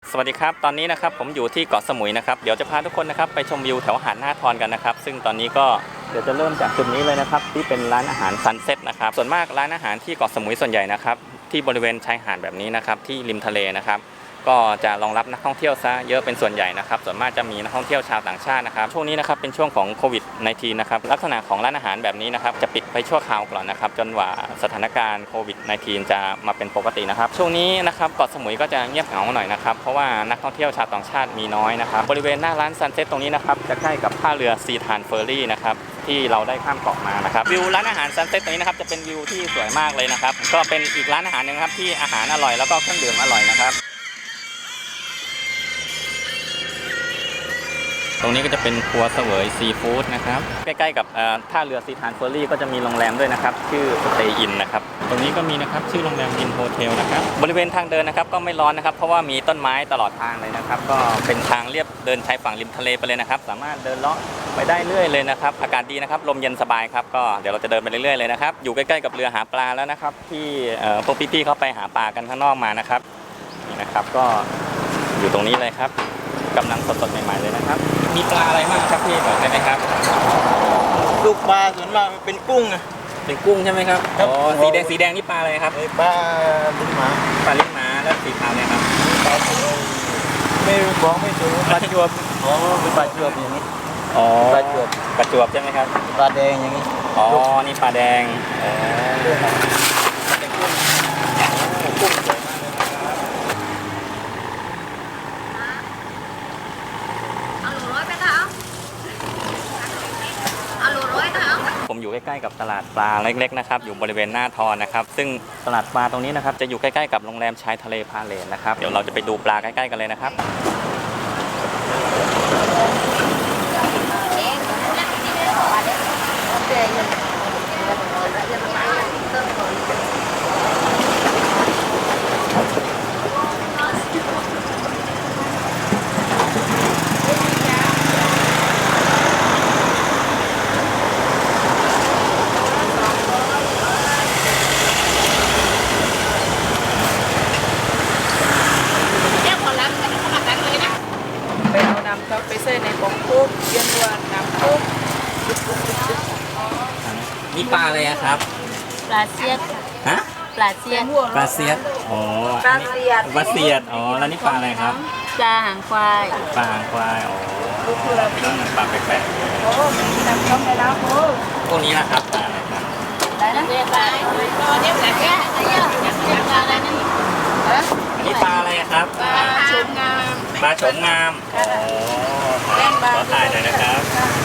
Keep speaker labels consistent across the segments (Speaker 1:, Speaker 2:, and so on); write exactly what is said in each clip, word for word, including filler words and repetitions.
Speaker 1: สวัสดีครับตอนนี้นะครับผมอยู่ที่เกาะสมุยนะครับเดี๋ยวจะพาทุกคนนะครับไปชมวิวแถวหาดหน้าทอนกันนะครับซึ่งตอนนี้ก็เดี๋ยวจะเริ่มจากจุดนี้เลยนะครับที่เป็นร้านอาหารซันเซ็ตนะครับส่วนมากร้านอาหารที่เกาะสมุยส่วนใหญ่นะครับที่บริเวณชายหาดแบบนี้นะครับที่ริมทะเลนะครับก็จะรองรับนักท่องเที่ยวซะเยอะเป็นส่วนใหญ่นะครับส่วนมากจะมีนักท่องเที่ยวชาวต่างชาตินะครับช่วงนี้นะครับเป็นช่วงของโควิด สิบเก้า นะครับลักษณะของร้านอาหารแบบนี้นะครับจะปิดไปชั่วคราวก่อนนะครับจนกว่าสถานการณ์โควิด สิบเก้า จะมาเป็นปกตินะครับช่วงนี้นะครับเกาะสมุยก็จะเงียบเหงาหน่อยนะครับเพราะว่านักท่องเที่ยวชาวต่างชาติมีน้อยนะครับบริเวณหน้าร้านซันเซ็ตตรงนี้นะครับจะใกล้กับท่าเรือซีทานเฟอร์รี่นะครับที่เราได้ข้ามเกาะมานะครับวิวร้านอาหารซันเซ็ตตรงนี้นะครับจะเป็นวิวที่สวยมากเลยนะครับก็เป็นอีกร้านอาหารนึงครับที่อาหารอร่อยแล้วก็เครื่องดื่มอร่อยนะครับตรงนี้ก็จะเป็นครัวเสวยซีฟู้ดนะครับใกล้ๆกับท่าเรือซีทานเฟอร์รี่ก็จะมีโรงแรมด้วยนะครับชื่อสเตย์อินนะครับตรงนี้ก็มีนะครับชื่อโรงแรมอินโฮเทลนะครับบริเวณทางเดินนะครับก็ไม่ร้อนนะครับเพราะว่ามีต้นไม้ตลอดทางเลยนะครับก็เป็นทางเรียบเดินชายฝั่งริมทะเลไปเลยนะครับสามารถเดินเลาะไปได้เรื่อยเลยนะครับอากาศดีนะครับลมเย็นสบายครับก็เดี๋ยวเราจะเดินไปเรื่อยๆเลยนะครับอยู่ใกล้ๆกับเรือหาปลาแล้วนะครับที่พวกพี่ๆเขาไปหาปลากันข้างนอกมานะครับนี่นะครับก็อยู่ตรงนี้เลยครับกำลังสดๆใหม่ๆเลยนะครับมีปลาอะไรบ้างครับพี่บอกได้ไหมครับ
Speaker 2: ลูกปลาส่วนมากเป็นกุ้งนะ
Speaker 1: เป็นกุ้งใช่ไหมครับอ๋อสีแดงสีแดงนี่ปลาอะไรครับ
Speaker 2: ปลาลิ้นหมา
Speaker 1: ปลาลิ้นหมาแล้วสีขาวเนี่ยครับ
Speaker 2: ปลาไม่รู้บอกไม่ถูกปลาจวบอ๋อเป็นปลาจวบอย่างนี้
Speaker 1: อ๋อ
Speaker 2: ปลาจวบ
Speaker 1: ปลาจวบใช่ไหมครับ
Speaker 2: ปลาแดงอย่างนี้
Speaker 1: อ๋อนี่ปลาแดงอ๋อผมอยู่ใกล้ๆกับตลาดปลาเล็กๆนะครับอยู่บริเวณหน้าทอนนะครับซึ่งตลาดปลาตรงนี้นะครับจะอยู่ใกล้ๆกับโรงแรมชายทะเลพาเลทนะครับเดี๋ยวเราจะไปดูปลาใกล้ๆกันเลยนะครับ
Speaker 3: ไปใส่ในบองคุกเย็นวันน้ำคุก
Speaker 1: นี่ปลาอะไรครับ
Speaker 3: ปลาเสียด
Speaker 1: ฮะ
Speaker 3: ปลาเสียด
Speaker 1: ปลาเสียดอ๋อ
Speaker 3: ปลาเสียด
Speaker 1: ปลาเสียดอ๋อแล้วนี่ปลาอะไรครับ
Speaker 3: ปลาหางควาย
Speaker 1: ปลาหางควายอ๋อปลาแปลกๆ
Speaker 3: โอ้จำต้องไปแล้วโอ้
Speaker 1: พวกนี้นะครับปลาอะไรครับ
Speaker 3: ได้นะปลาตัวนี้ปลาแก่อะไรอย่างเงี้ยปลาอะไรนั่น
Speaker 1: อันนี้ปลาอะไรครับ
Speaker 3: ปลาโฉมงาม
Speaker 1: ปลาโฉมงามอ๋อขอถ่ายหน่อยนะครับ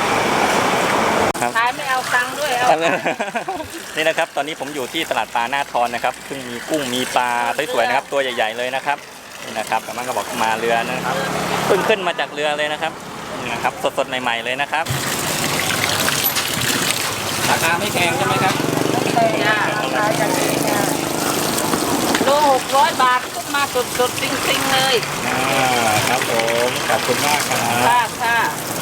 Speaker 3: ขายไม่เอาตังค์ด้วย
Speaker 1: นี่นะครับตอนนี้ผมอยู่ที่ตลาดปลาหน้าทอนนะครับซึ่งมีกุ้งมีปลาสวยๆนะครับตัวใหญ่ๆเลยนะครับนี่นะครับกำลังก็บอกมาเรือนะครับเพิ่งขึ้นมาจากเรือเลยนะครับนี่นะครับสดๆใหม่ๆเลยนะครับราคาไม่แพงใช่ไหมครับ
Speaker 3: ไม่แพงราคาอย่างนี้ค่ะโลหกร้อยบาทขึ้นมาสดๆจริงๆเลย
Speaker 1: อ่าครับผมขอบคุณมากครับ
Speaker 3: ค่ะค่ะ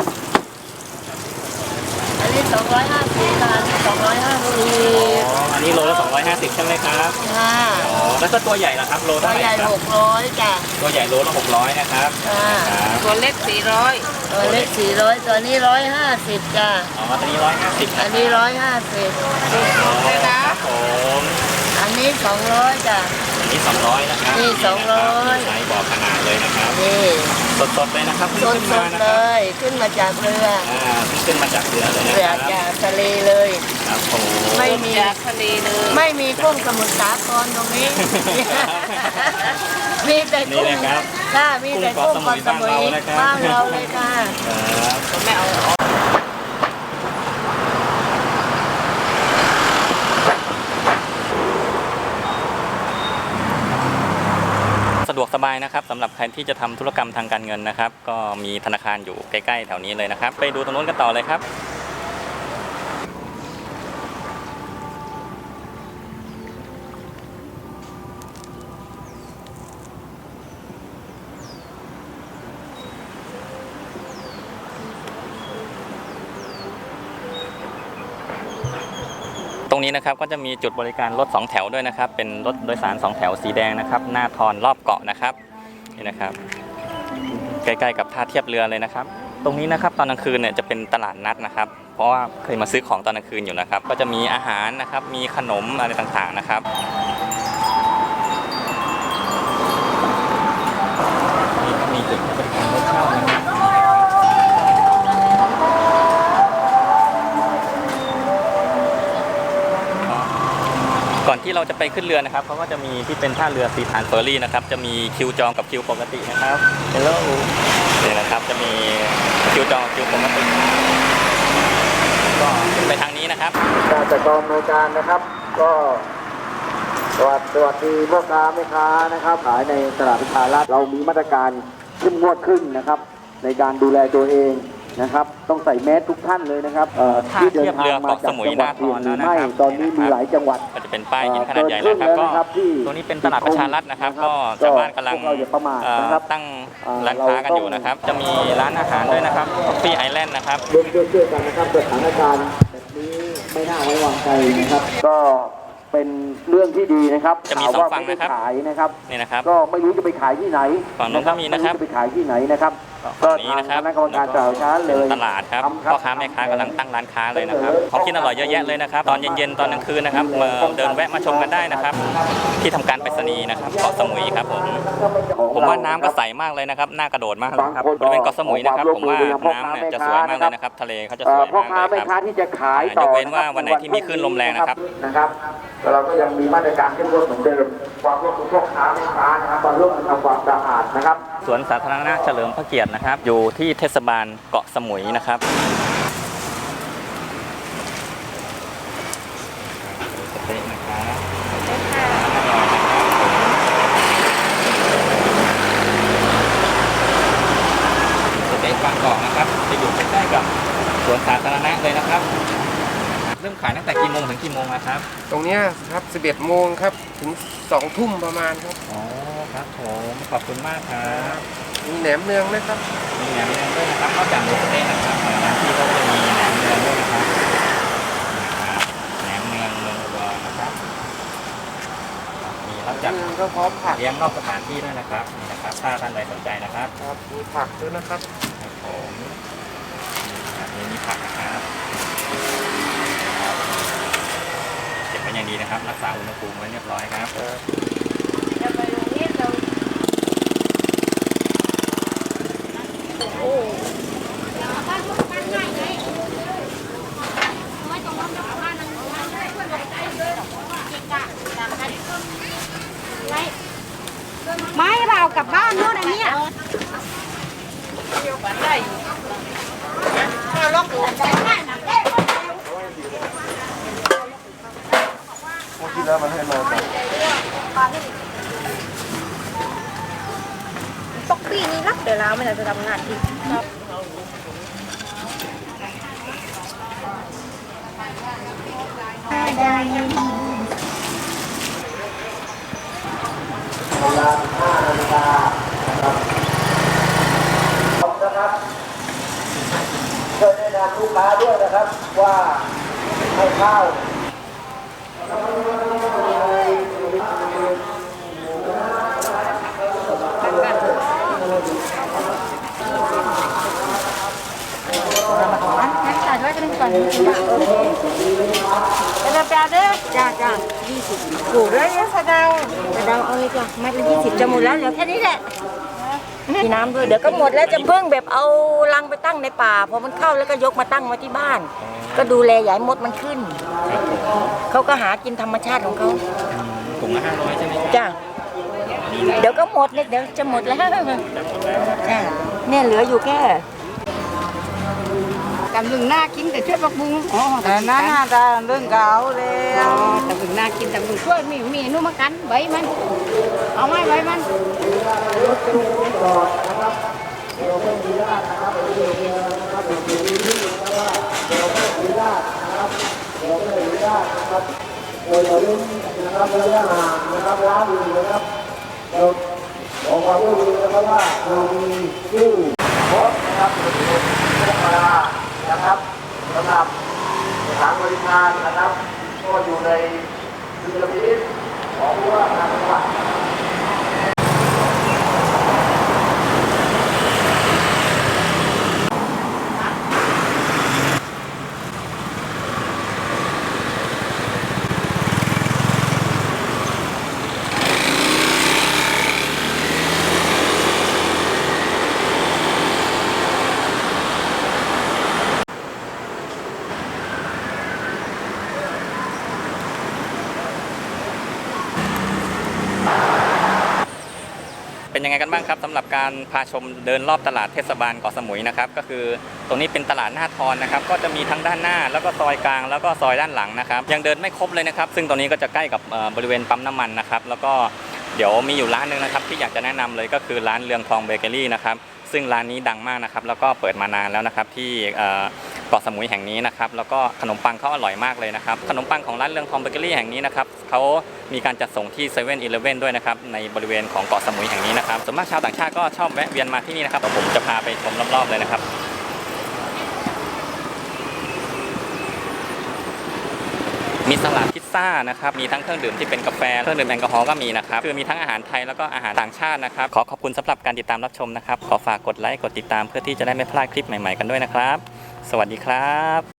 Speaker 3: อันนี้สองร้อยห้าสิบบาทสองร้อยห้าสิบ
Speaker 1: อ๋ออันนี้โลละสองร้อยห้าสิบใช่ไหมครับ
Speaker 3: ค่ะ
Speaker 1: อ๋อแล้วก็ตัวใหญ่ล่ะครับโลเท่าไหร่ครับ
Speaker 3: ตัวใหญ่หกร้อยจ้ะ
Speaker 1: ตัวใหญ่โลละหกร้อยนะครับ
Speaker 3: ตัวเล็กสี่ร้อยตัวเล็กสี่ร้อยตัวนี้ร้อยห้าสิบจ้ะ
Speaker 1: อ๋อตัวนี้ร้อยห้าสิบ
Speaker 3: อันนี้ร้อยห้าสิบเลยนะครับ
Speaker 1: ผม
Speaker 3: อันนี้สองร้อยจ้ะ
Speaker 1: อันนี้สองร้อยนะครับ
Speaker 3: นี่สองร้อย
Speaker 1: ใช้บอกขนาดเลยนะครับ
Speaker 3: นี่
Speaker 1: สดๆเลยนะครับ
Speaker 3: สดๆเลยขึ้นมาจากเรือ
Speaker 1: อ่าขึ้นมาจากเรือเลยนะ
Speaker 3: ค
Speaker 1: รับ
Speaker 3: จากทะเลเลย
Speaker 1: ครับผม
Speaker 3: ไม่มีจากทะเลเลยไม่มีกุ้งสมุทรสาครตรงนี้มีแต่กุ้งค่ะมีแต่กุ้งเกาะสมุยบ้านเราเลยค่ะไม่เอา
Speaker 1: สะดวกสบายนะครับสำหรับใครที่จะทำธุรกรรมทางการเงินนะครับก็มีธนาคารอยู่ใกล้ๆแถวนี้เลยนะครับไปดูตรงนู้นกันต่อเลยครับ ตรงนี้นะครับก็จะมีจุดบริการรถสองแถวด้วยนะครับเป็นรถโดยสารสองแถวสีแดงนะครับหน้าทอนรอบเกาะนะครับนี่นะครับใกล้ๆกับท่าเทียบเรือเลยนะครับตรงนี้นะครับตอนกลางคืนเนี่ยจะเป็นตลาดนัดนะครับเพราะว่าเคยมาซื้อของตอนกลางคืนอยู่นะครับก็จะมีอาหารนะครับมีขนมอะไรต่างๆนะครับนี่ก็มีจุดบริการรถเช่านะครับก่อนที่เราจะไปขึ้นเรือนะครับเขาก็จะมีที่เป็นท่าเรือสีฐานเฟอร์รี่นะครับจะมีคิวจองกับคิวปกตินะครับเฮลโลนี่นะครับจะมีคิวจองกับคิวปกติก็ไปทางนี้นะครับ
Speaker 2: การจัดกองในการนะครับก็สวัสดีสวัสดีพ่อค้าแม่ค้านะครับขายในตลาดประชารัฐเรามีมาตรการเข้มงวดขึ้นนะครับในการดูแลตัวเองนะครับต้องใส่แมสทุกท่านเลยนะครับที่เดินทางมาจากจังหวัดอื่นหรือไม่ตอนนี้มีหลายจังหวัด
Speaker 1: ก็จะเป็นป้ายหินขนาดใหญ่นะครับก็ตรงนี้เป็นตลาดประชารัฐนะครับก็ชาวบ้านกำลังตั้งร้านค้ากันอยู่นะครับจะมีร้านอาหารด้วยนะครับฟี่ไอแลนด์นะครับ
Speaker 2: ร่วมด้วยช่วยกันนะครับสถานการณ์แบบนี้ไม่น่าไว้วางใจนะครับก็เป็นเรื่องที่ดีนะครับ
Speaker 1: จะมีสองฝั่งนะครับ
Speaker 2: ขายนะครับ
Speaker 1: นี่นะครับ
Speaker 2: ก็ไม่รู้จะไปขายที่ไหน
Speaker 1: ฝั่งนู้นก็มีนะครับ
Speaker 2: จะไปขายที่ไหนนะครับ
Speaker 1: ก็นี้นะครับ
Speaker 2: คณะกรรมการตลาดช้าเลย
Speaker 1: ตลาดครับพ่อค้าแม่ค้ากำลังตั้งร้านค้าเลยนะครับของกินอร่อยเยอะแยะเลยนะครับตอนเย็นๆตอนกลางคืนนะครับมาเดินแวะมาชมกันได้นะครับที่ทำการไปรษณีย์นะครับเกาะสมุยครับผมผมว่าน้ำก็ใสมากเลยนะครับน่ากระโดดมากเลยครับบริเวณเกาะสมุยนะครับผมว่าน้ำเนี่ยจะสวยมากเลยนะครับทะเลเขาจะสวยมากเลยครับ
Speaker 2: ที่จะขายต่อย
Speaker 1: กเว้นว่าวันไหนที่มีคลื่นลมแรงนะครับ
Speaker 2: นะครับเราก็ยังมีมาตรการเข้มงวดเหมือนเดิมความร่วมมือพ่อค้าแม่ค้านะครับมาร่วมกันทำความสะอาดนะครับ
Speaker 1: สวนสาธารณะเฉลิมพระเกียรตินะครับอยู่ที่เทศบาลเกาะสมุยนะครับสเต็กนะครับสเต็กบางกอกนะครับจะอยู่ใกล้ๆกับสวนสาธารณะเลยนะครับเริ่มขายตั้งแต่กี่โมงถึงกี่โมงนะครับ
Speaker 4: ตรงนี้ครับสิบเอ็ดโมงครับถึงสองทุ่มประมาณครับ
Speaker 1: อ๋อครับผมขอบคุณมากครับ
Speaker 4: มีแหนมเนืองนะครับ
Speaker 1: มีแหนมเนืองด้วยนะครับนอกจากหมูสะเต๊ะนะครับร้านที่ก็จะมีแหนมเนืองด้วยนะครับแหนมเนืองเมืองอุดรนะครับมีรับจัด
Speaker 4: ก็พร้อมผัก
Speaker 1: เลี้ยงนอกสถานที่ด้วยนะครับนี่นะครับถ้าท่านใดสนใจนะครับ
Speaker 4: ครับมีผักด้วยนะครับ
Speaker 1: ครับผมนี่มีผักนะครับเก็บไว้อย่างดีนะครับรักษาอุณหภูมิไว้เรียบร้อยครับ
Speaker 5: ไม่เรากลับบ้านโน่นอันนี้เราล็อกตัวใจได้นะ
Speaker 4: ที่แล้วมันให้มา
Speaker 5: ตกปีนี้รับเดี๋ยวเราไม่จะทำงานอีกครับ
Speaker 2: เวลาห้านาฬิกานะครับพร้อมนะครับช่วยแนะนำลูกค้าด้วยนะครับว่าให้ข้าว
Speaker 5: งั้นจ่ายด้วยกันก่อนจะจะแปลเด้อจ้าจ้ายี่สิบกูเลยสะเดาสะเดาเอาเลยจ้ะมัดละยี่สิบจะหมดแล้วเหลือแค่นี้แหละมีน้ำด้วยเดี๋ยวก็หมดแล้วจะเพิ่งแบบเอาลังไปตั้งในป่าพอมันเข้าแล้วก็ยกมาตั้งไว้ที่บ้านก็ดูแลใหญ่มดมันขึ้นเขาก็หากินธรรมชาติของเขา
Speaker 1: ถุงละห้าร้อยใช่ไหม
Speaker 5: จ้าเดี๋ยวก็หมดเลยเดี๋ยวจะหมดแล้วจ้าเนี่ยเหลืออยู่แค่
Speaker 3: กำลังน่ากินแต่ช่วยปักบุ้งอ๋อแต่
Speaker 5: น่าจะเรื่องเก่าแล้ว
Speaker 3: แต่บุ้งน่ากินแต่บุ้งช่วยมีมีนุ่มกันใบมันเอาไหมใบมัน
Speaker 2: เราเราเล่นนะครับระยะห่างนะครับร้านอื่นนะครับเราบอกว่าผู้ดีนะครับว่าเรามีชื่อโค้ชนะครับธรรมดานะครับสำหรับสถานบริการนะครับก็อยู่ในดุลพินิจของผู้ว่าการจังหวัด
Speaker 1: เป็นยังไงกันบ้างครับสำหรับการพาชมเดินรอบตลาดเทศบาลเกาะสมุยนะครับก็คือตรงนี้เป็นตลาดหน้าทอนนะครับก็จะมีทั้งด้านหน้าแล้วก็ซอยกลางแล้วก็ซอยด้านหลังนะครับยังเดินไม่ครบเลยนะครับซึ่งตรงนี้ก็จะใกล้กับบริเวณปั๊มน้ำมันนะครับแล้วก็เดี๋ยวมีอยู่ร้านนึงนะครับที่อยากจะแนะนำเลยก็คือร้านเรืองทองเบเกอรี่นะครับซึ่งร้านนี้ดังมากนะครับแล้วก็เปิดมานานแล้วนะครับที่เกาะสมุยแห่งนี้นะครับแล้วก็ขนมปังเขาอร่อยมากเลยนะครับขนมปังของร้านเรืองทองเบเกอรี่แห่งนี้นะครับเขามีการจัดส่งที่เซเว่นอีเลฟเว่นด้วยนะครับในบริเวณของเกาะสมุยแห่งนี้นะครับส่วนมากชาวต่างชาติก็ชอบแวะเวียนมาที่นี่นะครับผมจะพาไปชมรอบๆเลยนะครับมีสลัดพิซซ่านะครับมีทั้งเครื่องดื่มที่เป็นกาแฟเครื่องดื่มแอลกอฮอล์ก็มีนะครับคือมีทั้งอาหารไทยแล้วก็อาหารต่างชาตินะครับขอขอบคุณสำหรับการติดตามรับชมนะครับขอฝากกดไลค์กดติดตามเพื่อที่จะได้ไม่พลาดคลิปใหม่ๆกันด้วยนะครับสวัสดีครับ